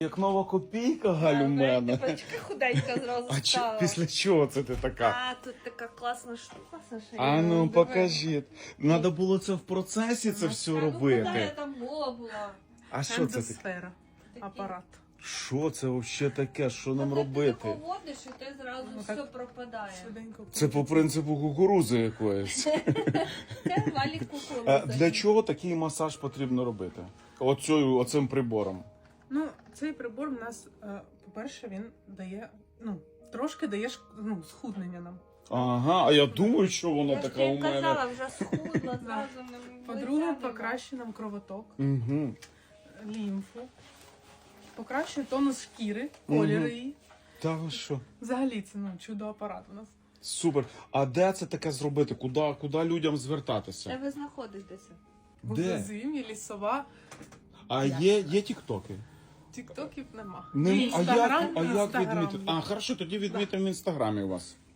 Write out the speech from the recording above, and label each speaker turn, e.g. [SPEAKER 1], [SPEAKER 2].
[SPEAKER 1] Як нова копійка, Галь, у мене.
[SPEAKER 2] Типочка худенька зразу
[SPEAKER 1] А
[SPEAKER 2] стала.
[SPEAKER 1] після чого це ти така?
[SPEAKER 2] А, тут така класна штука, Саша.
[SPEAKER 1] А ну, покажіть. Надо було це в процесі це все
[SPEAKER 2] Куди я
[SPEAKER 1] робити.
[SPEAKER 2] там була?
[SPEAKER 1] А що це таке?
[SPEAKER 3] Ендосфера. Апарат.
[SPEAKER 1] Що це взагалі таке? Що нам
[SPEAKER 2] Ти
[SPEAKER 1] робити?
[SPEAKER 2] тако водиш, і ти зразу
[SPEAKER 3] Ну,
[SPEAKER 2] все
[SPEAKER 3] так.
[SPEAKER 2] пропадає.
[SPEAKER 3] Швиденько.
[SPEAKER 1] Це по принципу кукурузи якоїсь.
[SPEAKER 2] Це валік
[SPEAKER 1] А
[SPEAKER 2] кукурудзи.
[SPEAKER 1] для чого такий масаж потрібно робити? Оцим прибором.
[SPEAKER 3] Ну, цей прибор в нас, по-перше, він дає, трошки дає схуднення нам.
[SPEAKER 1] Ага, а я думаю, що воно
[SPEAKER 2] Я ж
[SPEAKER 1] така у
[SPEAKER 2] тобі
[SPEAKER 1] мене.
[SPEAKER 2] казала, вже схудла, зразу не
[SPEAKER 3] По-друге, покращує нам кровоток,
[SPEAKER 1] Угу.
[SPEAKER 3] лімфу, покращує тонус шкіри, колір її.
[SPEAKER 1] Та ви що?
[SPEAKER 3] Взагалі це чудо-апарат у нас.
[SPEAKER 1] Супер. А де це таке зробити? Куди людям
[SPEAKER 2] Де
[SPEAKER 1] звертатися?
[SPEAKER 2] ви знаходитеся?
[SPEAKER 1] Де?
[SPEAKER 3] Зим'я, лісова,
[SPEAKER 1] А є тіктоки?
[SPEAKER 3] тіктоків нема.
[SPEAKER 1] А як
[SPEAKER 3] Інстаграм
[SPEAKER 1] відмітити?
[SPEAKER 3] є.
[SPEAKER 1] А, хорошо, тоді відмітимо в інстаграмі у вас.